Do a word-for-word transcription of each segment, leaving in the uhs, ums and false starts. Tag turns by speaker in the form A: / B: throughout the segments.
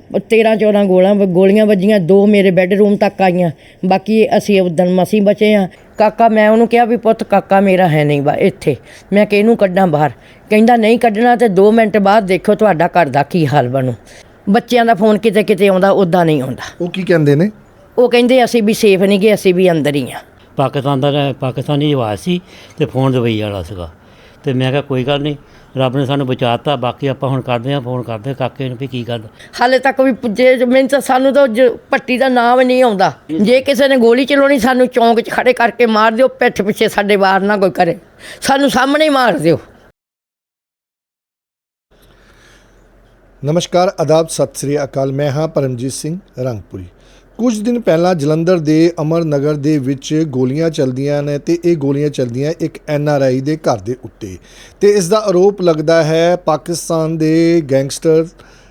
A: तेरह चौदह गोला गोलियां वजियां, दो मेरे बैडरूम तक आईयां। बाकी असी उदन मसी बचे हाँ। काका मैं उन्होंने कहा भी पुत्त काका मेरा है नहीं बा इत्थे, मैं किहनूं कड्डां बाहर, कहंदा नहीं कड्डना तो दो मिनट बाद देखो तुहाडा घर दा की हाल बनू। बच्चों का फोन किते किते आउंदा, उदा नहीं आउंदा।
B: वो की कहंदे ने?
A: वो कहिंदे असीं भी सेफ नहीं गे, असीं भी अंदर ही हाँ।
C: पाकिस्तान का पाकिस्तानी आवाज़ सी ते फोन दुबई वाला सीगा ते मैं कहा कोई गल नहीं, रब ने सानू बचाता। बाकी आपां हुण करदे आं, फोन करदे काके नूं भी की गल।
A: हाले तक भी पुजे मैनूं तां सानू तो पट्टी का नाम नहीं आउंदा। जे किसी ने गोली चलाउणी सानू चौंक च खड़े करके मार दिओ, पिठ पिछे साडे वार ना कोई करे, सानू सामने ही मार दिओ।
B: नमस्कार, आदाब, सत श्री अकाल। मैं हाँ परमजीत सिंह रंगपुरी। कुछ दिन पहला जलंधर के अमर नगर दे विच गोलियां चलदियां ने ते ये गोलियां चलदियां एक एन आर आई दे घर दे उत्ते ते इस दा आरोप लगदा है पाकिस्तान दे गैंगस्टर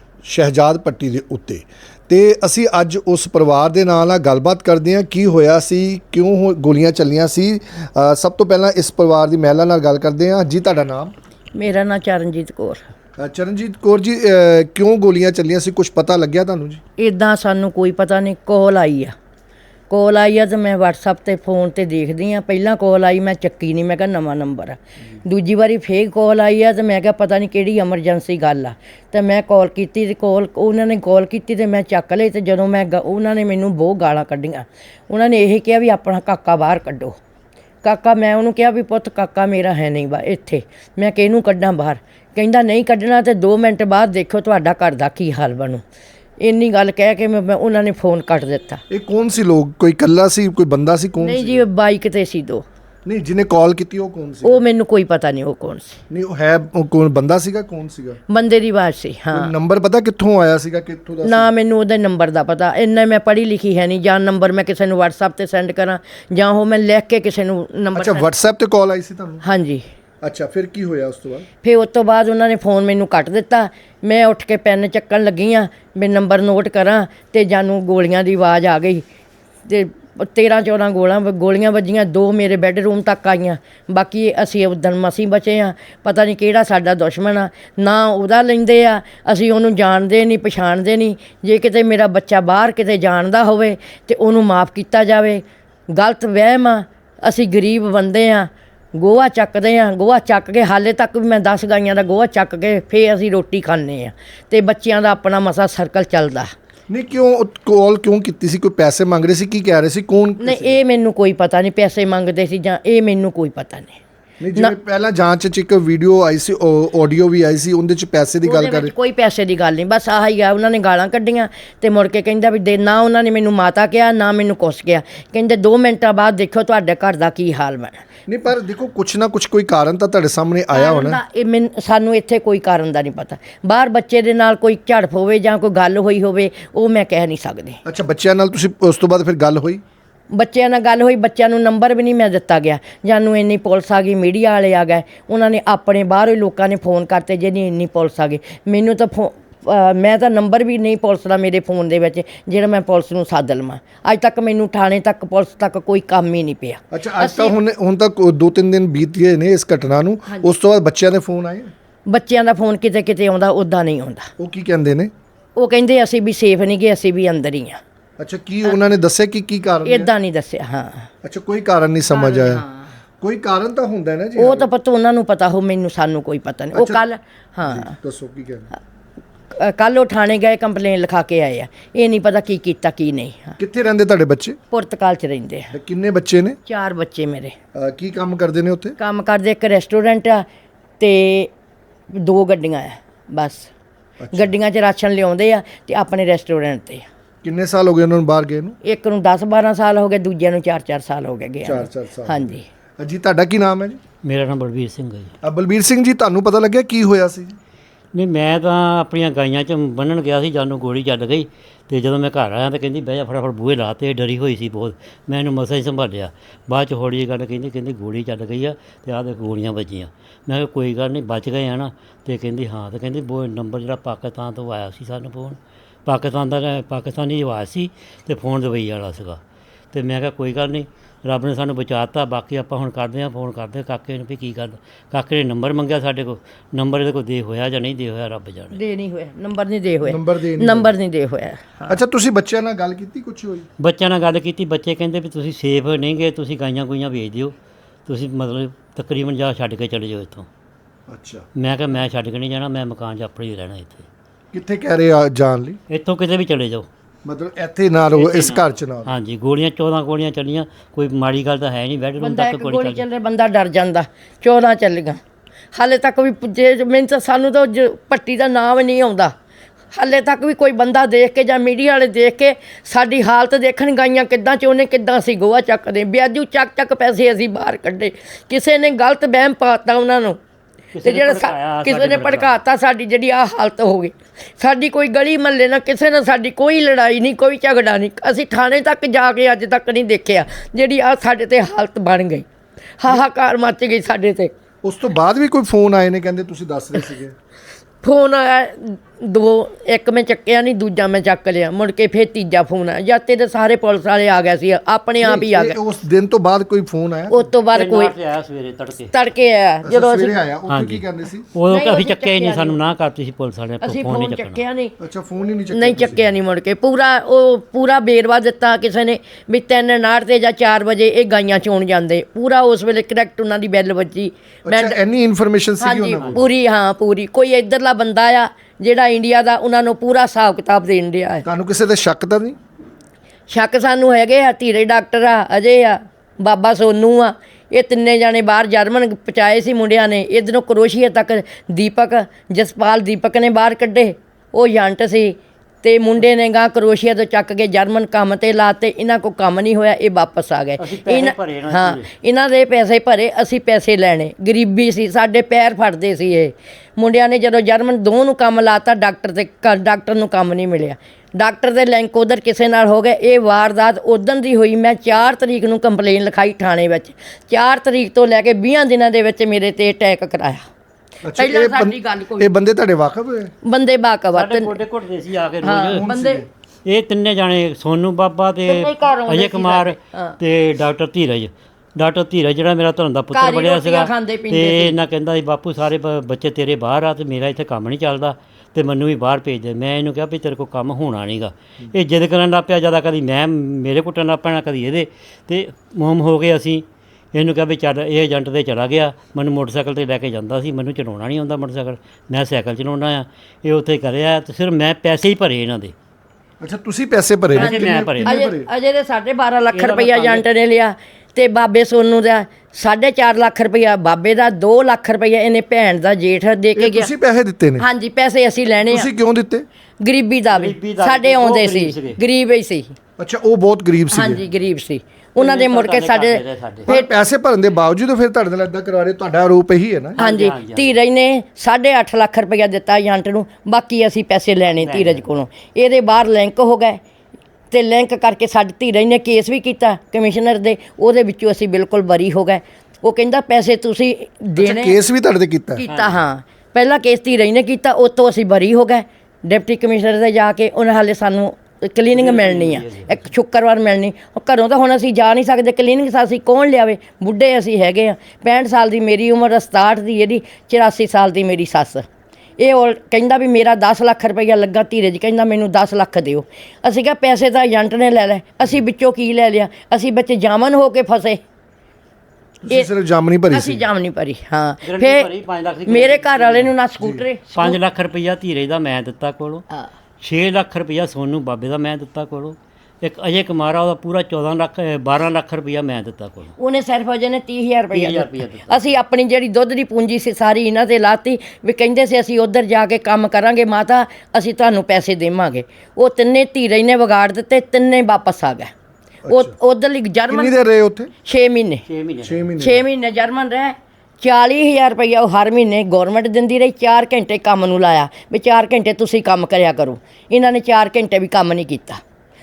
B: शहजाद पट्टी दे उत्ते। ते असी अज उस परिवार दे नाल गलबात करदे हां की होया सी, क्यों हो गोलियां चलियां सी। आ, सब तो पहला इस परिवार दी महिला नाल गल करदे हां। जी तुहाडा नाम?
A: मेरा नाम चरणजीत कौर।
B: चरणजीत कौर जी, क्यों गोलियां चलियां सी, कुछ पता लग्या तुहानू जी?
A: इदां सानू कोई पता नहीं, कॉल आई आ कॉल आई आ तो मैं वट्सअप ते फोन ते देखदी हाँ। पहला कॉल आई मैं चक्की नहीं, मैं कहा नवां नंबर आ। दूजी बारी फेक कॉल आई आ तो मैं कहा पता नहीं किहड़ी एमरजेंसी गल आ, तो मैं कॉल कीती ते कॉल उन्होंने कॉल कीती ते मैं चक लई। ते जदों मैं उन्होंने मैनूं बहुत गालां कड्ढीआं। उन्होंने यह कहा भी अपना काका बाहर कड्ढो। काका मैं उन्होंने कहा भी पुत्त काका मेरा है नहीं बा इत्थे, मैं किहनूं कड्डां बाहर, कहंदा नहीं कड्डना तो दो मिनट बाद देखो तुहाडा घर दा की हाल बनू। इन्नी गल कह के मैं उन्होंने फोन कट दिता।
B: ये कौन सी लोग, कोई कल्ला सी, कोई बंदा सी, कौन
A: नहीं
B: सी?
A: जी बाइक ते सी दो।
B: नहीं, जिन्हें कॉल की वो कौन सी?
A: वो मैनू कोई पता नहीं वो कौन सी।
B: नहीं, वो है वो कौन बंदा सीगा, कौन सीगा?
A: बंदे दी आवाज़ सी। हाँ,
B: नंबर पता कित्थों आया सीगा, कित्थों दा?
A: ना मैनू ਉਹਦੇ नंबर ਦਾ पता, इन्ना मैं पढ़ी लिखी है नहीं। ਜਾਂ नंबर मैं किसी ਨੂੰ WhatsApp ਤੇ ਸੈਂਡ ਕਰਾਂ ਜਾਂ ਉਹ मैं लिख के किसी ਨੂੰ नंबर।
B: अच्छा, WhatsApp ਤੇ ਕਾਲ ਆਈ ਸੀ ਤੁਹਾਨੂੰ?
A: हाँ जी।
B: ਅੱਛਾ, ਫਿਰ ਕੀ ਹੋਇਆ ਉਸ ਤੋਂ ਬਾਅਦ?
A: ਫਿਰ ਉਸ ਤੋਂ ਬਾਅਦ ਉਹਨਾਂ ਨੇ ਫੋਨ ਮੈਨੂੰ ਕੱਟ ਦਿੱਤਾ। ਮੈਂ ਉੱਠ ਕੇ ਪੈਨ ਚੱਕਣ ਲੱਗੀ ਹਾਂ ਵੀ ਨੰਬਰ ਨੋਟ ਕਰਾਂ ਤੇ ਜਾਨੂੰ ਗੋਲੀਆਂ ਦੀ ਆਵਾਜ਼ ਆ ਗਈ ਤੇ तेरह चौदह गोला गोलियां वजियां, दो मेरे बैडरूम तक आईयां। बाकी असी उदन मसी बचे हाँ। पता नहीं किहड़ा साडा दुश्मन आ, ना उहदा लैंदे आ, असी उहनूं जानदे नहीं पछाणदे नहीं। जे किते मेरा बच्चा बाहर किते जानदा होवे ते उहनूं माफ़ कीता जावे। गलत वहम आ, असी गरीब बंदे आ, गोहा चकदे हाँ। गोहा चक के हाले तक भी मैं दस गाइयां दा गोहा चक के फिर असी रोटी खाने आ ते बच्चियां दा अपना मसा सर्कल चलदा।
B: नहीं, क्यों कॉल क्यों की सी? कोई पैसे मंग रहे सी, की कह रहे सी, कौन?
A: नहीं, ये मैनू कोई पता नहीं, पैसे मंगते सी जां ये मैनू कोई पता नहीं।
B: नहीं, जिवें पहला जांच च एक वीडियो आई सी, ऑडियो भी आई सी, उहदे च पैसे दी गल कर रहे।
A: कोई पैसे की गल नहीं, बस आही आ उन्होंने गालां कड्ढियां ते मुड़ के कहंदा भी दे ना उन्होंने मैनू माता कहा ना मैनू कुछ कहा। कहंदे दो मिनटां बाद देखो तुहाडे घर दा की हाल बना।
B: नहीं, पर देखो कुछ ना कुछ कोई कारण तो तुहाडे सामने आया होना।
A: मैनू सानू इत्थे कोई कारण दा नहीं पता। बाहर बच्चे दे नाल कोई झड़प होवे जां कोई गल होई होवे वो मैं कह नहीं सकदी।
B: अच्छा, बच्चों नाल तुसीं उस तो बाद फिर गल होई?
A: ਬੱਚਿਆਂ ਨਾਲ ਗੱਲ ਹੋਈ, ਬੱਚਿਆਂ ਨੂੰ ਨੰਬਰ ਵੀ ਨਹੀਂ ਮੈਂ ਦਿੱਤਾ ਗਿਆ। ਜਾਨੂੰ ਇੰਨੀ ਪੁਲਿਸ ਆ ਗਈ, ਮੀਡੀਆ ਵਾਲੇ ਆ ਗਏ, ਉਹਨਾਂ ਨੇ ਆਪਣੇ ਬਾਹਰੋਂ ਹੀ ਲੋਕਾਂ ਨੇ ਫੋਨ ਕਰਤੇ ਜੇ ਨਹੀਂ ਇੰਨੀ ਪੁਲਿਸ ਆ ਗਈ। ਮੈਨੂੰ ਤਾਂ ਫੋ ਮੈਂ ਤਾਂ ਨੰਬਰ ਵੀ ਨਹੀਂ ਪੁਲਿਸ ਦਾ ਮੇਰੇ ਫੋਨ ਦੇ ਵਿੱਚ ਜਿਹੜਾ ਮੈਂ ਪੁਲਿਸ ਨੂੰ ਸੱਦ ਲਵਾਂ। ਅੱਜ ਤੱਕ ਮੈਨੂੰ ਥਾਣੇ ਤੱਕ ਪੁਲਿਸ ਤੱਕ ਕੋਈ ਕੰਮ ਹੀ ਨਹੀਂ ਪਿਆ।
B: ਅੱਛਾ, ਅੱਜ ਤਾਂ ਹੁਣ ਹੁਣ ਤੱਕ ਦੋ ਤਿੰਨ ਦਿਨ ਬੀਤ ਗਏ ਨੇ ਇਸ ਘਟਨਾ ਨੂੰ, ਉਸ ਤੋਂ ਬਾਅਦ ਬੱਚਿਆਂ ਦੇ ਫੋਨ ਆਏ?
A: ਬੱਚਿਆਂ ਦਾ ਫੋਨ ਕਿਤੇ ਕਿਤੇ ਆਉਂਦਾ, ਉੱਦਾਂ ਨਹੀਂ ਆਉਂਦਾ।
B: ਉਹ ਕੀ ਕਹਿੰਦੇ ਨੇ?
A: ਉਹ ਕਹਿੰਦੇ ਅਸੀਂ ਵੀ ਸੇਫ ਨਹੀਂ ਗਏ, ਅਸੀਂ ਵੀ ਅੰਦਰ ਹੀ ਆ।
B: अच्छा, की उन्होंने दस्या कि की कारण?
A: इदां नहीं दस्या। हाँ,
B: अच्छा, कोई कारण नहीं समझ आया। कोई कारण तो होंदा है ना जी?
A: वो तो पता उन्होंने पता हो, मैनू सानू कोई पता नहीं। वो कल हाँ
B: दसो की कहंदे?
A: कल वो थाने गए, कंप्लेन लिखा के आए आ। ये नहीं पता की कीता की नहीं। हाँ,
B: कित्थे रहंदे तुहाडे बच्चे?
A: पुर्तगाल च रहिंदे आ।
B: किन्ने बच्चे ने?
A: चार बच्चे मेरे।
B: की काम करदे ने उत्थे?
A: काम करदे एक रेस्टोरेंट आ ते दो गड्डियां आ बस। गड्डियां च राशन लियाउंदे आ ते अपने रेस्टोरेंट ते।
B: किन्ने साल हो गए उन्होंने बाहर गए नूं?
A: एक नूं दस बारह साल हो गए, दूजे नूं चार चार साल हो गए गए।
B: चार चार साल।
A: हाँ जी।
B: जी, तुहाडा की नाम है जी?
C: मेरा नाम बलबीर सिंह है जी।
B: बलबीर सिंह जी, तुहानूं पता लग्या की होया सी?
C: नहीं, मैं तो अपनियां गाइयां च बन्नण गया सी, जानू गोली चल गई तो जो मैं घर आया तो कहती बह जा फटाफट बूहे ला ते डरी हुई सी बहुत। मैं इन्हूं मसा ही संभालिया। बाद च हौली गल कहती कहती गोली चल गई आ ते आ देख गोलियां वजियां। मैं कहा कोई गल नहीं, बच गए हैं ना। तो कहती हाँ, तो कहती वो नंबर जो पाकिस्तान तो आया सी सानूं फोन, पाकिस्तान का पाकिस्तानी आवाज़ सी ते फोन दुबई वाला सीगा। तो मैं कहा कोई गल नहीं, ਰੱਬ ਨੇ ਸਾਨੂੰ ਬਚਾਤਾ। ਬਾਕੀ ਆਪਾਂ ਹੁਣ ਕਰਦੇ ਹਾਂ, ਫੋਨ ਕਰਦੇ ਕਾਕੇ ਨੂੰ ਵੀ ਕੀ ਗੱਲ। ਕਾਕੇ ਨੇ ਨੰਬਰ ਮੰਗਿਆ ਸਾਡੇ ਕੋਲ, ਨੰਬਰ ਇਹਦੇ ਕੋਲ ਦੇ ਹੋਇਆ ਜਾਂ ਨਹੀਂ ਦੇ ਹੋਇਆ ਰੱਬ ਜਾਣੇ।
A: ਦੇ ਨਹੀਂ ਹੋਇਆ, ਨੰਬਰ ਨਹੀਂ ਦੇ ਹੋਇਆ,
B: ਨੰਬਰ ਦੇ ਨਹੀਂ
A: ਨੰਬਰ ਨਹੀਂ ਦੇ ਹੋਇਆ।
B: ਅੱਛਾ, ਤੁਸੀਂ ਬੱਚਿਆਂ ਨਾਲ ਗੱਲ ਕੀਤੀ ਕੁਛ ਹੋਈ?
C: ਬੱਚਿਆਂ ਨਾਲ ਗੱਲ ਕੀਤੀ, ਬੱਚੇ ਕਹਿੰਦੇ ਵੀ ਤੁਸੀਂ ਸੇਫ ਨਹੀਂ ਗਏ, ਤੁਸੀਂ ਗਾਈਆਂ ਗੁਈਆਂ ਵੇਚ ਦਿਓ, ਤੁਸੀਂ ਮਤਲਬ ਤਕਰੀਬਨ ਜਾ ਛੱਡ ਕੇ ਚਲੇ ਜਾਓ ਇੱਥੋਂ।
B: ਅੱਛਾ,
C: ਮੈਂ ਕਿਹਾ ਮੈਂ ਛੱਡ ਕੇ ਨਹੀਂ ਜਾਣਾ, ਮੈਂ ਮਕਾਨ 'ਚ ਆਪਣੇ ਹੀ ਰਹਿਣਾ ਇੱਥੇ,
B: ਕਿੱਥੇ ਕਹਿ ਰਹੇ ਆ ਜਾਣ ਲਈ?
C: ਇੱਥੋਂ ਕਿਤੇ ਵੀ ਚਲੇ ਜਾਓ,
B: ਮਤਲਬ ਇੱਥੇ ਨਾ ਰਹੋ, ਇਸ ਘਰ 'ਚ ਨਾ ਰਹੋ।
C: ਹਾਂਜੀ। ਗੋਲੀਆਂ ਚੌਦਾਂ ਗੋਲੀਆਂ ਚੱਲੀਆਂ, ਕੋਈ ਮਾੜੀ ਗੱਲ ਤਾਂ ਹੈ ਨਹੀਂ, ਬੈਡਰੂਮ
A: ਬੰਦਾ
C: ਤੱਕ
A: ਇੱਕ
C: ਗੋਲੀ
A: ਗੋਲੀ
C: ਚੱਲ
A: ਚੱਲੇ ਬੰਦਾ ਡਰ ਜਾਂਦਾ। ਚੌਦਾਂ ਚੱਲੀਆਂ, ਹਾਲੇ ਤੱਕ ਵੀ ਜੇ ਮੈਨੂੰ ਤਾਂ ਸਾਨੂੰ ਤਾਂ ਜ- ਪੱਟੀ ਦਾ ਨਾਮ ਨਹੀਂ ਆਉਂਦਾ। ਹਾਲੇ ਤੱਕ ਵੀ ਕੋਈ ਬੰਦਾ ਦੇਖ ਕੇ ਜਾਂ ਮੀਡੀਆ ਵਾਲੇ ਦੇਖ ਕੇ ਸਾਡੀ ਹਾਲਤ ਦੇਖਣ, ਗਾਈਆਂ ਕਿੱਦਾਂ ਚੋਨੇ, ਕਿੱਦਾਂ ਅਸੀਂ ਗੋਹਾ ਚੱਕਦੇ, ਵਿਆਜੂ ਚੱਕ ਚੱਕ ਪੈਸੇ ਅਸੀਂ ਬਾਹਰ ਕੱਢੇ। ਕਿਸੇ ਨੇ ਗਲਤ ਵਹਿਮ ਪਾਤਾ ਉਹਨਾਂ ਨੂੰ, ਤੇ ਜਿਹੜਾ ਸਾ- ਕਿਸੇ ਨੇ ਭੜਕਾਤਾ, ਸਾਡੀ ਜਿਹੜੀ ਆਹ ਹਾਲਤ ਹੋ ਗਈ। ਸਾਡੀ ਕੋਈ ਗਲੀ ਮਹੱਲੇ ਨਾਲ ਕਿਸੇ ਨਾਲ ਸਾਡੀ ਕੋਈ ਲੜਾਈ ਨਹੀਂ, ਕੋਈ ਝਗੜਾ ਨਹੀਂ। ਅਸੀਂ ਥਾਣੇ ਤੱਕ ਜਾ ਕੇ ਅੱਜ ਤੱਕ ਨਹੀਂ ਦੇਖਿਆ ਜਿਹੜੀ ਆ ਸਾਡੇ ਤੇ ਹਾਲਤ ਬਣ ਗਈ। ਹਾਹਾਕਾਰ ਮੱਚ ਗਈ ਸਾਡੇ ਤੇ।
B: ਉਸ ਤੋਂ ਬਾਅਦ ਵੀ ਕੋਈ ਫੋਨ ਆਏ ਨੇ, ਕਹਿੰਦੇ ਤੁਸੀਂ ਦੱਸ ਰਹੇ ਸੀਗੇ?
A: ਫੋਨ ਆਇਆ ਦੋ, ਇੱਕ ਮੈਂ ਚੱਕਿਆ ਨਹੀਂ, ਦੂਜਾ ਮੈਂ ਚੱਕ ਲਿਆ, ਮੁੜ ਕੇ ਫਿਰ ਤੀਜਾ ਫੋਨ ਆਇਆ। ਜਦ ਤੇ ਸਾਰੇ ਪੁਲਿਸ ਵਾਲੇ ਆ ਗਏ ਸੀ, ਆਪਣੇ ਆਪ ਹੀ ਆ
B: ਇਹ
A: ਗਏ।
B: ਉਸ ਦਿਨ ਤੋਂ ਬਾਅਦ ਕੋਈ ਫੋਨ ਆਇਆ?
A: ਉਸ ਤੋਂ ਬਾਅਦ ਕੋਈ
C: ਆਇਆ ਸਵੇਰੇ ਤੜਕੇ,
A: ਤੜਕੇ ਆਇਆ
B: ਅੱਛਾ,
A: ਜਦੋਂ ਅਸੀਂ
B: ਸਵੇਰੇ ਆਇਆ, ਉੱਥੇ ਕੀ ਕਹਿੰਦੇ ਸੀ?
C: ਉਦੋਂ
A: ਨਹੀਂ,
C: ਅਸੀਂ
A: ਅਸੀਂ
C: ਚੱਕਿਆ ਹੀ ਨਹੀਂ,
A: ਚੱਕਿਆ
C: ਸਾਨੂੰ ਨਾ ਕਰਤੀ ਸੀ ਪੁਲਿਸ ਵਾਲਿਆਂ ਨੇ,
A: ਅਸੀਂ
C: ਫੋਨ
A: ਫੋਨ
C: ਨਹੀਂ ਚੱਕਣਾ।
A: ਚੱਕਿਆ ਨਹੀਂ।
B: ਅੱਛਾ, ਫੋਨ ਹੀ ਨਹੀਂ ਚੱਕਿਆ?
A: ਨਹੀਂ ਚੱਕਿਆ ਨਹੀਂ ਮੁੜ ਕੇ। ਪੂਰਾ ਉਹ ਪੂਰਾ ਬੇਰਵਾ ਦਿੱਤਾ ਕਿਸੇ ਨੇ ਵੀ ਤਿੰਨ ਨਾੜ ਤੇ ਜਾਂ ਚਾਰ ਵਜੇ ਇਹ ਗਾਈਆਂ ਚੋਣ ਜਾਂਦੇ। ਪੂਰਾ ਉਸ ਵੇਲੇ ਕਰੈਕਟ ਉਹਨਾਂ ਦੀ ਬੈਲ ਵੱਜੀ।
B: ਅੱਛਾ, ਇੰਨੀ ਇਨਫੋਰਮੇਸ਼ਨ ਸੀਗੀ
A: ਹਾਂਜੀ
B: ਉਹਨਾਂ ਕੋਲ?
A: ਪੂਰੀ, ਹਾਂ ਪੂਰੀ। ਕੋਈ ਇੱਧਰਲਾ ਬੰਦਾ ਆ ਜਿਹੜਾ ਇੰਡੀਆ ਦਾ, ਉਹਨਾਂ ਨੂੰ ਪੂਰਾ ਹਿਸਾਬ ਕਿਤਾਬ ਦੇਣ ਡਿਆ ਹੈ।
B: ਤੁਹਾਨੂੰ ਕਿਸੇ ਤੇ ਸ਼ੱਕ ਤਾਂ ਨਹੀਂ?
A: ਸ਼ੱਕ ਸਾਨੂੰ ਹੈਗੇ ਆ, ਧੀਰੇ ਡਾਕਟਰ ਆ, ਅਜੇ ਆ, ਬਾਬਾ ਸੋਨੂ ਆ, ਇਹ ਤਿੰਨੇ ਜਾਣੇ ਬਾਹਰ ਜਰਮਨ ਪਹੁੰਚਾਏ ਸੀ ਮੁੰਡਿਆਂ ਨੇ। ਇੱਧਰੋਂ ਕਰੋਸ਼ੀਆ ਤੱਕ ਦੀਪਕ, ਜਸਪਾਲ ਦੀਪਕ ਨੇ ਬਾਹਰ ਕੱਢੇ, ਉਹ ਏਜੰਟ ਸੀ। ਤੇ ਮੁੰਡੇ ਨੇ ਗਾਂ ਕਰੋਸ਼ੀਆ ਤੋਂ ਚੱਕ ਕੇ ਜਰਮਨ ਕੰਮ ਤੇ ਲਾਤੇ। ਇਹਨਾਂ ਕੋ ਕੰਮ ਨਹੀਂ ਹੋਇਆ, ਇਹ ਵਾਪਸ ਆ ਗਏ। ਇਹਨਾਂ ਹਾਂ ਇਹਨਾਂ ਦੇ ਪੈਸੇ ਭਰੇ, ਅਸੀਂ ਪੈਸੇ ਲੈਣੇ। ਗਰੀਬੀ ਸੀ, ਸਾਡੇ ਪੈਰ ਫੜਦੇ ਸੀ ਇਹ ਮੁੰਡਿਆਂ ਨੇ। ਜਦੋਂ ਜਰਮਨ ਦੋ ਨੂੰ ਕੰਮ ਲਾਤਾ, ਡਾਕਟਰ ਤੇ ਡਾਕਟਰ ਨੂੰ ਕੰਮ ਨਹੀਂ ਮਿਲਿਆ। ਡਾਕਟਰ ਦੇ ਲਿੰਕ ਉਧਰ ਕਿਸੇ ਨਾਲ ਹੋ ਗਏ। ਇਹ ਵਾਰਦਾਤ ਉਦੋਂ ਦੀ ਹੋਈ। ਮੈਂ ਚਾਰ ਤਰੀਕ ਨੂੰ ਕੰਪਲੇਨ ਲਿਖਾਈ ਥਾਣੇ ਵਿੱਚ। ਚਾਰ ਤਰੀਕ ਤੋਂ ਲੈ ਕੇ ਵੀਹਾਂ ਦਿਨਾਂ ਦੇ ਵਿੱਚ ਮੇਰੇ ਤੇ ਅਟੈਕ ਕਰਾਇਆ।
B: ਅੱਛਾ,
A: ਪਹਿਲਾਂ
B: ਇਹ
A: ਸਾਡੀ ਗੱਲ
B: ਬੰ-
A: ਕੋਈ
B: ਇਹ ਬੰਦੇ ਤੁਹਾਡੇ ਵਾਕਫ ਹੋਏ?
A: ਬੰਦੇ ਬਾਕਵਾ
C: ਸਾਡੇ ਕੋਡੇ ਘੁੱਟਦੇ ਸੀ ਆ ਕੇ
A: ਹਾਂ
C: ਰੋਜ਼।
A: ਬੰਦੇ
C: ਇਹ ਤਿੰਨੇ ਜਾਣੇ, ਸੋਨੂ ਬਾਬਾ ਤੇ
A: ਤਿੰਨੇ ਘਰ ਆਉਂਦੇ
C: ਅਜੇ
A: ਸੀ
C: ਕੁਮਾਰ
A: ਸਾਡੇ, ਹਾਂ।
C: ਤੇ ਡਾਕਟਰ ਧੀਰਜ। ਡਾਕਟਰ ਧੀਰਜ ਜਿਹੜਾ ਮੇਰਾ ਧਰਨ ਦਾ
A: ਘਰ
C: ਪੁੱਤਰ
A: ਹੀ
C: ਬਣਿਆ
A: ਰੋਟੀਆਂ
C: ਸੀਗਾ,
A: ਖਾਂਦੇ ਪੀਂਦੇ
C: ਤੇ
A: ਸੀ।
C: ਇਹਨਾਂ ਕਹਿੰਦਾ ਸੀ ਬਾਪੂ ਸਾਰੇ ਬ- ਬੱਚੇ ਤੇਰੇ ਬਾਹਰ ਆ ਤੇ ਮੇਰਾ ਇੱਥੇ ਕੰਮ ਨਹੀਂ ਚੱਲਦਾ ਤੇ ਮੈਨੂੰ ਵੀ ਬਾਹਰ ਭੇਜ ਦੇ। ਮੈਂ ਇਹਨੂੰ ਕਿਹਾ ਵੀ ਤੇਰੇ ਕੋਲ ਕੰਮ ਹੋਣਾ ਨਹੀਂਗਾ। ਇਹ ਜਿੱਦ ਕਰਨ ਲੱਗ ਪਿਆ, ਜ਼ਿਆਦਾ ਕਦੀ ਮੈਂ ਮੇਰੇ ਕੁੱਟਣ ਲੱਗ ਪੈਣਾ, ਕਦੀ ਇਹਦੇ, ਤੇ ਮੋਮ ਹੋ ਗਏ ਅਸੀਂ। ਇਹਨੂੰ ਕਿਹਾ ਵੀ ਚੱਲ, ਇਹ ਏਜੰਟ ਦੇ ਚਲਾ ਗਿਆ। ਮੈਨੂੰ ਮੋਟਰਸਾਈਕਲ 'ਤੇ ਲੈ ਕੇ ਜਾਂਦਾ ਸੀ, ਮੈਨੂੰ ਚਲਾਉਣਾ ਨਹੀਂ ਆਉਂਦਾ ਮੋਟਰਸਾਈਕਲ, ਮੈਂ ਸਾਈਕਲ ਚਲਾਉਣਾ ਆ। ਇਹ ਉੱਥੇ ਕਰਿਆ ਤੇ ਸਿਰਫ ਮੈਂ ਪੈਸੇ ਹੀ ਭਰੇ ਇਹਨਾਂ ਦੇ।
B: ਅੱਛਾ, ਤੁਸੀਂ ਪੈਸੇ ਭਰੇ ਨੇ?
C: ਪੈਸੇ ਮੈਂ ਭਰੇ।
A: ਅਜੇ ਅਜੇ ਦੇ ਸਾਢੇ ਬਾਰਾਂ ਲੱਖ ਰੁਪਈਆ ਏਜੰਟ ਨੇ ਲਿਆ, ਤੇ ਬਾਬੇ ਸੋਨੂ ਦਾ ਸਾਢੇ ਚਾਰ ਲੱਖ ਰੁਪਈਆ, ਬਾਬੇ ਦਾ ਦੋ ਲੱਖ ਰੁਪਈਆ ਇਹਨੇ ਭੈਣ ਦਾ ਜੇਠ ਦੇ ਕੇ
B: ਇਹ
A: ਗਿਆ।
B: ਤੁਸੀਂ ਪੈਸੇ ਦਿੱਤੇ ਨੇ?
A: ਹਾਂਜੀ, ਪੈਸੇ ਅਸੀਂ ਲੈਣੇ ਆ।
B: ਤੁਸੀਂ ਕਿਉਂ ਦਿੱਤੇ?
A: ਗਰੀਬੀ ਦਾ ਵੀ
C: ਗਰੀਬੀ ਦਾ
A: ਸਾਡੇ
C: ਵੀ,
A: ਆਉਂਦੇ
C: ਬਹੁਤ
A: ਸੀ,
C: ਗਰੀਬ ਸੀਗੇ।
A: ਗਰੀਬ ਹੀ ਸੀ।
B: ਅੱਛਾ, ਉਹ ਬਹੁਤ ਗਰੀਬ ਸੀਗੇ?
A: ਹਾਂਜੀ ਗਰੀਬ ਸੀ। ਉਹਨਾਂ ਦੇ ਮੁੜ ਕੇ ਸਾਡੇ
B: ਪਰ ਪੈਸੇ ਭਰਨ ਦੇ ਬਾਵਜੂਦ ਫਿਰ ਤੁਹਾਡੇ ਨਾਲ ਏਦਾਂ ਕਰਵਾ ਰਹੇ, ਤੁਹਾਡਾ ਆਰੋਪ ਇਹੀ ਹੈ ਨਾ?
A: ਹਾਂਜੀ, ਧੀਰਜ ਨੇ ਸਾਢੇ ਅੱਠ ਲੱਖ ਰੁਪਈਆ ਦਿੱਤਾ ਏਜੰਟ ਨੂੰ, ਬਾਕੀ ਅਸੀਂ ਪੈਸੇ ਲੈਣੇ ਧੀਰਜ ਕੋਲੋਂ। ਇਹਦੇ ਬਾਹਰ ਲਿੰਕ ਹੋ ਗਏ, ਤੇ ਲਿੰਕ ਕਰਕੇ ਸਾਡੇ ਧੀਰਜ ਨੇ ਕੇਸ ਵੀ ਕੀਤਾ ਕਮਿਸ਼ਨਰ ਦੇ, ਉਹਦੇ ਵਿੱਚੋਂ ਅਸੀਂ ਬਿਲਕੁਲ ਬਰੀ ਹੋ ਗਏ। ਉਹ ਕਹਿੰਦਾ ਪੈਸੇ ਤੁਸੀਂ ਦੇਣੇ।
B: ਕੇਸ ਵੀ ਤੁਹਾਡੇ ਤੇ ਕੀਤਾ?
A: ਕੀਤਾ, ਹਾਂ। ਪਹਿਲਾ ਕੇਸ ਧੀਰਜ ਨੇ ਕੀਤਾ, ਉਹ ਤੋਂ ਅਸੀਂ ਬਰੀ ਹੋ ਗਏ। ਡਿਪਟੀ ਕਮਿਸ਼ਨਰ ਦੇ ਜਾ ਕੇ ਉਹਨੇ ਹਾਲੇ ਸਾਨੂੰ ਕਲੀਨਿੰਗ ਮਿਲਣੀ ਆ, ਇੱਕ ਸ਼ੁੱਕਰਵਾਰ ਮਿਲਣੀ। ਉਹ ਘਰੋਂ ਤਾਂ ਹੁਣ ਅਸੀਂ ਜਾ ਨਹੀਂ ਸਕਦੇ, ਕਲੀਨਿੰਗ ਅਸੀਂ ਕੌਣ ਲਿਆਵੇ, ਬੁੱਢੇ ਅਸੀਂ ਹੈਗੇ ਆ। ਪੈਂਹਠ ਸਾਲ ਦੀ ਮੇਰੀ ਉਮਰ, ਸਤਾਹਠ ਦੀ ਇਹਦੀ, ਚੁਰਾਸੀ ਸਾਲ ਦੀ ਮੇਰੀ ਸੱਸ। ਇਹ ਉਹ ਕਹਿੰਦਾ ਵੀ ਮੇਰਾ ਦਸ ਲੱਖ ਰੁਪਈਆ ਲੱਗਾ, ਧੀਰਜ ਕਹਿੰਦਾ ਮੈਨੂੰ ਦਸ ਲੱਖ ਦਿਓ। ਅਸੀਂ ਕਿਹਾ ਪੈਸੇ ਤਾਂ ਏਜੰਟ ਨੇ ਲੈ ਲਏ, ਅਸੀਂ ਵਿੱਚੋਂ ਕੀ ਲੈ ਲਿਆ? ਅਸੀਂ ਵਿੱਚ ਜਾਮਨ ਹੋ ਕੇ ਫਸੇ।
B: ਤੁਸੀਂ ਸਿਰਫ ਜਾਮਨੀ ਭਰੀ
A: ਅਸੀਂ
B: ਸੀ?
A: ਜਾਮਨੀ ਭਰੀ, ਹਾਂ।
C: ਗਰੰਟੀ ਭਰੀ, ਪੰਜ ਲੱਖ
A: ਫਿਰ
C: ਦੀ
A: ਮੇਰੇ ਘਰ ਵਾਲੇ ਨੂੰ ਨਾ ਸਕੂਟਰ,
C: ਪੰਜ ਲੱਖ ਰੁਪਈਆ ਧੀਰੇ ਦਾ ਮੈਂ ਦਿੱਤਾ ਕੋਲੋਂ,
A: ਹਾਂ,
C: ਛੇ ਲੱਖ ਰੁਪਈਆ ਸੋਨੂ ਬਾਬੇ ਦਾ ਮੈਂ ਦਿੱਤਾ ਕੋਲੋਂ, ਇੱਕ ਅਜੇ ਕੁਮਾਰਾ ਉਹਦਾ ਪੂਰਾ ਚੌਦਾਂ ਲੱਖ ਬਾਰਾਂ ਲੱਖ ਰੁਪਈਆ ਮੈਂ ਦਿੱਤਾ ਕੋਲੋਂ।
A: ਉਹਨੇ ਸਿਰਫ ਅਜੇ ਨੇ ਤੀਹ ਹਜ਼ਾਰ ਰੁਪਈਆ
C: ਤੀਹ ਹਜ਼ਾਰ
A: ਦਿੱਤਾ।
C: ਦਿੱਤਾ।
A: ਅਸੀਂ ਆਪਣੀ ਜਿਹੜੀ ਦੁੱਧ ਦੀ ਪੂੰਜੀ ਸੀ ਸਾਰੀ ਇਹਨਾਂ ਤੇ ਲਾਤੀ, ਵੀ ਕਹਿੰਦੇ ਸੀ ਅਸੀਂ ਉੱਧਰ ਜਾ ਕੇ ਕੰਮ ਕਰਾਂਗੇ ਮਾਤਾ, ਅਸੀਂ ਤੁਹਾਨੂੰ ਪੈਸੇ ਦੇਵਾਂਗੇ। ਉਹ ਤਿੰਨੇ ਧੀਰਜ ਨੇ ਵਿਗਾੜ ਦਿੱਤੇ, ਤਿੰਨੇ ਵਾਪਸ ਆ ਗਏ। ਉਹ ਉਧਰਲੀ
B: ਕਿੰਨੀ
A: ਜਰਮਨ
B: ਦੇਰ ਰਹੇ ਉੱਥੇ?
A: ਛੇ ਮਹੀਨੇ
C: ਛੇ ਮਹੀਨੇ
B: ਛੇ ਮਹੀਨੇ?
A: ਛੇ ਮਹੀਨੇ ਜਰਮਨ ਰਹੇ। ਚਾਲੀ ਹਜ਼ਾਰ ਰੁਪਈਆ ਉਹ ਹਰ ਮਹੀਨੇ ਗੌਰਮੈਂਟ ਦਿੰਦੀ ਰਹੀ। ਚਾਰ ਘੰਟੇ ਕੰਮ ਨੂੰ ਲਾਇਆ ਵੀ ਚਾਰ ਘੰਟੇ ਤੁਸੀਂ ਕੰਮ ਕਰਿਆ ਕਰੋ। ਇਹਨਾਂ ਨੇ ਚਾਰ ਘੰਟੇ ਵੀ ਕੰਮ ਨਹੀਂ ਕੀਤਾ।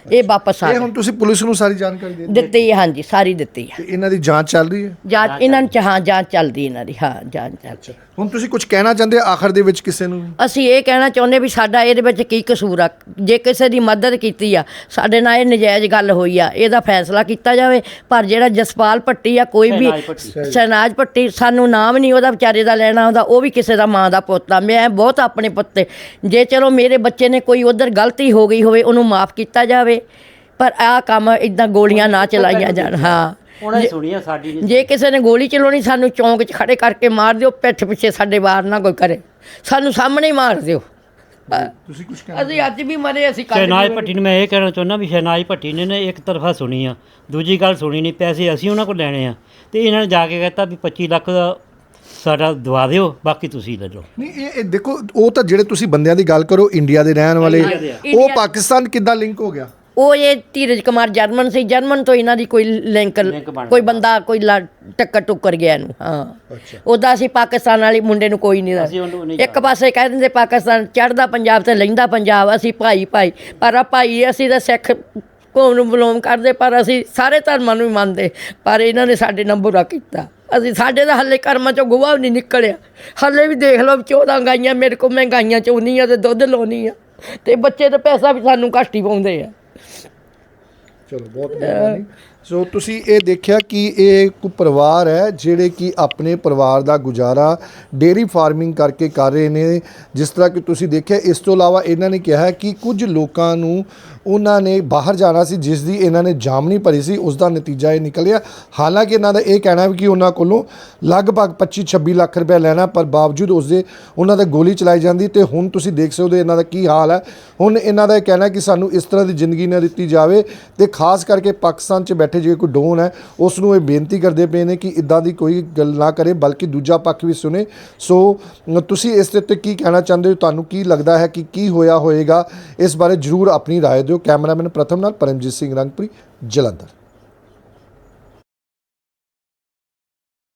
A: ਇਹ ਵਾਪਸ ਆ
B: ਇਹ
A: ਗਏ
B: ਹੁਣ ਤੁਸੀਂ ਪੁਲਿਸ ਨੂੰ ਸਾਰੀ ਜਾਣਕਾਰੀ ਦੇ ਦਿੱਤੀ
A: ਦਿੱਤੀ ਹੈ, ਹਾਂਜੀ ਸਾਰੀ ਦਿੱਤੀ ਹੈ।
B: ਤੇ ਇਹਨਾਂ ਦੀ ਜਾਂਚ ਚੱਲ ਰਹੀ ਹੈ।
A: ਜਾਂਚ ਇਹਨਾਂ ਨੂੰ ਚ- ਹਾਂ ਜਾਂਚ ਚੱਲਦੀ ਇਹਨਾਂ ਦੀ, ਹਾਂ ਜਾਂਚ ਚੱਲਦੀ।
B: ਹੁਣ ਤੁਸੀਂ ਕੁਝ ਕਹਿਣਾ ਚਾਹੁੰਦੇ ਆਖਰ ਦੇ ਵਿੱਚ ਕਿਸੇ ਨੂੰ?
A: ਅਸੀਂ ਇਹ ਕਹਿਣਾ ਚਾਹੁੰਦੇ ਵੀ ਸਾਡਾ ਇਹਦੇ ਵਿੱਚ ਕੀ ਕਸੂਰ ਆ, ਜੇ ਕਿਸੇ ਦੀ ਮਦਦ ਕੀਤੀ ਆ ਸਾਡੇ ਨਾਲ ਇਹ ਨਜਾਇਜ਼ ਗੱਲ ਹੋਈ ਆ ਇਹਦਾ ਫੈਸਲਾ ਕੀਤਾ ਜਾਵੇ। ਪਰ ਜਿਹੜਾ ਜਸਪਾਲ ਭੱਟੀ ਆ ਕੋਈ ਵੀ
C: ਸ਼ਹਿਨਾਜ਼ ਭੱਟੀ।
A: ਸ਼ਹਿਨਾਜ਼ ਭੱਟੀ ਸਾਨੂੰ ਨਾਮ ਨਹੀਂ ਉਹਦਾ ਵਿਚਾਰੇ ਦਾ ਲੈਣਾ ਆਉਂਦਾ, ਉਹ ਵੀ ਕਿਸੇ ਦਾ ਮਾਂ ਦਾ ਪੁੱਤ ਆ। ਮੈਂ ਬਹੁਤ ਆਪਣੇ ਪੁੱਤ ਤੇ ਜੇ ਚਲੋ ਮੇਰੇ ਬੱਚੇ ਨੇ ਕੋਈ ਉਧਰ ਗਲਤੀ ਹੋ ਗਈ ਹੋਵੇ ਉਹਨੂੰ ਮਾਫ ਕੀਤਾ ਜਾਵੇ, ਪਰ ਆਹ ਕੰਮ ਇਦਾਂ ਗੋਲੀਆਂ ਨਾ ਚਲਾਈਆਂ ਜਾਣ। ਹਾਂ
C: ਉਹਨਾਂ ਨੇ ਸੁਣੀ ਆ, ਸਾਡੀ ਨਹੀਂ।
A: ਜੇ ਕਿਸੇ ਨੇ ਗੋਲੀ ਚਲਾਉਣੀ ਸਾਨੂੰ ਚੌਂਕ 'ਚ ਖੜੇ ਕਰਕੇ ਮਾਰ ਦਿਓ, ਪਿੱਠ ਪਿੱਛੇ ਸਾਡੇ ਵਾਰ ਨਾ ਕੋਈ ਕਰੇ, ਸਾਨੂੰ ਸਾਹਮਣੇ ਹੀ ਮਾਰ ਦਿਓ।
B: ਤੁਸੀਂ ਕੁਝ
A: ਅਸੀਂ ਅੱਜ ਵੀ ਮਰੇ, ਅਸੀਂ ਕੱਲ੍ਹ ਵੀ
C: ਸ਼ਹਿਨਾਜ਼
A: ਮਰੇ।
C: ਭੱਟੀ ਨੂੰ ਮੈਂ ਇਹ ਕਹਿਣਾ ਚਾਹੁੰਦਾ ਵੀ ਸ਼ਹਿਨਾਜ਼ ਭੱਟੀ ਨੇ ਨਾ ਇੱਕ ਤਰਫਾ ਸੁਣੀ ਆ, ਦੂਜੀ ਗੱਲ ਸੁਣੀ ਨਹੀਂ। ਪੈਸੇ ਅਸੀਂ ਉਹਨਾਂ ਕੋਲ ਲੈਣੇ ਆ ਤੇ ਇਹਨਾਂ ਨੇ ਜਾ ਕੇ ਕਹਿਤਾ ਵੀ ਪੱਚੀ ਲੱਖ ਦਾ ਸਾਡਾ ਦਵਾ ਦਿਓ, ਬਾਕੀ ਤੁਸੀਂ ਲੈ ਲਓ।
B: ਨਹੀਂ ਇਹ ਇਹ ਦੇਖੋ, ਉਹ ਤਾਂ ਜਿਹੜੇ ਤੁਸੀਂ ਬੰਦਿਆਂ ਦੀ ਗੱਲ ਕਰੋ ਇੰਡੀਆ ਦੇ ਰਹਿਣ ਵਾਲੇ,
C: ਇੰਡੀਆ ਦੇ ਆ।
B: ਉਹ
A: ਇੰਡੀਆ-
B: ਪਾਕਿਸਤਾਨ ਕਿੱਦਾਂ ਲਿੰਕ ਹੋ ਗਿਆ?
A: ਉਹ ਇਹ ਧੀਰਜ ਕੁਮਾਰ ਜਰਮਨ ਸੀ, ਜਰਮਨ ਤੋਂ ਇਹਨਾਂ ਦੀ ਕੋਈ ਲਿੰਕ
C: ਲਿੰਕ ਬਣ
A: ਕੋਈ
C: ਗਿਆ।
A: ਬੰਦਾ ਕੋਈ ਲਾ- ਟੱਕਰ ਟੁੱਕਰ ਗਿਆ ਇਹਨੂੰ। ਹਾਂ
B: ਅੱਛਾ।
A: ਉਹਦਾ ਅਸੀਂ ਪਾਕਿਸਤਾਨ ਵਾਲੀ ਮੁੰਡੇ ਨੂੰ ਕੋਈ ਨਹੀਂ
C: ਅਸੀਂ ਉਹਨੂੰ ਨਹੀਂ
A: ਦੱਸ। ਇੱਕ ਪਾਸੇ ਕਹਿ ਦਿੰਦੇ ਪਾਕਿਸਤਾਨ ਚੜ੍ਹਦਾ ਪੰਜਾਬ ਤੇ ਲੈਂਦਾ ਪੰਜਾਬ, ਅਸੀਂ ਭਾਈ ਭਾਈ, ਪਰ ਆ ਭਾਈ ਅਸੀਂ ਤਾਂ ਸਿੱਖ ਕੌਮ ਨੂੰ ਬਿਲੋਂਗ ਕਰਦੇ, ਪਰ ਅਸੀਂ ਸਾਰੇ ਧਰਮਾਂ ਨੂੰ ਹੀ ਮੰਨਦੇ, ਪਰ ਇਹਨਾਂ ਨੇ ਸਾਡੇ ਨਾਲ ਬੁਰਾ ਕੀਤਾ। ਅਸੀਂ ਸਾਡੇ ਦਾ ਹੱਲੇ ਕਰਮਾਂ ਚੋਂ ਗੋਹਾ ਵੀ ਨਹੀਂ ਨਿਕਲਿਆ। ਹੱਲੇ ਵੀ ਦੇਖ ਲਓ ਚੌਦਾਂ ਗਾਈਆਂ ਮੇਰੇ ਕੋਲ, ਮੈਂ ਗਾਈਆਂ ਚੋਣੀ ਆ ਤੇ ਦੁੱਧ ਲਾਉਣੀ ਆ, ਤੇ ਬੱਚੇ ਦਾ ਪੈਸਾ ਵੀ ਸਾਨੂੰ ਘੱਟ ਹੀ ਪਾਉਂਦੇ ਆ।
B: ਚਲੋ ਬਹੁਤ ਮਿਹਰਬਾਨੀ। ਸੋ ਤੁਸੀਂ ਇਹ ਦੇਖਿਆ ਕਿ ਇਹ ਇੱਕ ਪਰਿਵਾਰ ਹੈ ਜਿਹੜੇ ਕਿ ਆਪਣੇ ਪਰਿਵਾਰ ਦਾ ਗੁਜ਼ਾਰਾ ਡੇਅਰੀ ਫਾਰਮਿੰਗ ਕਰਕੇ ਕਰ ਰਹੇ ਨੇ। ਜਿਸ ਤਰ੍ਹਾਂ ਕਿ ਤੁਸੀਂ ਦੇਖਿਆ, ਇਸ ਤੋਂ ਇਲਾਵਾ ਇਹਨਾਂ ਨੇ ਕਿਹਾ ਕਿ ਕੁਝ ਲੋਕਾਂ ਨੂੰ ਉਹਨਾਂ ਨੇ ਬਾਹਰ ਜਾਣਾ ਸੀ, ਜਿਸ ਦੀ ਇਹਨਾਂ ਨੇ ਜਾਮਨੀ ਭਰੀ ਸੀ, ਉਸ ਦਾ ਨਤੀਜਾ ਇਹ ਨਿਕਲਿਆ। ਹਾਲਾਂਕਿ ਇਹਨਾਂ ਦਾ ਇਹ ਕਹਿਣਾ ਵੀ ਕਿ ਉਹਨਾਂ ਕੋਲੋਂ ਲਗਭਗ ਪੱਚੀ ਛੱਬੀ ਲੱਖ ਰੁਪਏ ਲੈਣਾ, ਪਰ ਬਾਵਜੂਦ ਉਸ ਦੇ ਉਹਨਾਂ 'ਤੇ ਗੋਲੀ ਚਲਾਈ ਜਾਂਦੀ। ਤੇ ਹੁਣ ਤੁਸੀਂ ਦੇਖ ਸਕਦੇ ਹੋ ਇਹਨਾਂ ਦਾ ਕੀ ਹਾਲ ਹੈ। ਹੁਣ ਇਹਨਾਂ ਦਾ ਇਹ ਕਹਿਣਾ ਕਿ ਸਾਨੂੰ ਇਸ ਤਰ੍ਹਾਂ ਦੀ ਜ਼ਿੰਦਗੀ ਨਾ ਦਿੱਤੀ ਜਾਵੇ, ਤੇ ਖਾਸ ਕਰਕੇ ਪਾਕਿਸਤਾਨ 'ਚ ਬੈਠੇ ਜਿਹੜੇ ਕੋਈ ਡੋਨ ਹੈ ਉਸ ਨੂੰ ਇਹ ਬੇਨਤੀ ਕਰਦੇ ਪਏ ਨੇ ਕਿ ਇੱਦਾਂ ਦੀ ਕੋਈ ਗੱਲ ਨਾ ਕਰੇ, ਬਲਕਿ ਦੂਜਾ ਪੱਖ ਵੀ ਸੁਣੇ। ਸੋ ਤੁਸੀਂ ਇਸ ਦੇ ਉੱਤੇ ਕੀ ਕਹਿਣਾ ਚਾਹੁੰਦੇ ਹੋ? ਤੁਹਾਨੂੰ ਕੀ ਲੱਗਦਾ ਹੈ ਕਿ ਕੀ ਹੋਇਆ ਹੋਏਗਾ? ਇਸ ਬਾਰੇ ਜ਼ਰੂਰ ਆਪਣੀ ਰਾਏ ਦਿਓ। ਕੈਮਰਾਮੈਨ ਪ੍ਰਥਮ ਨਾਲ ਪਰਮਜੀਤ ਸਿੰਘ ਰੰਗਪੁਰੀ, ਜਲੰਧਰ।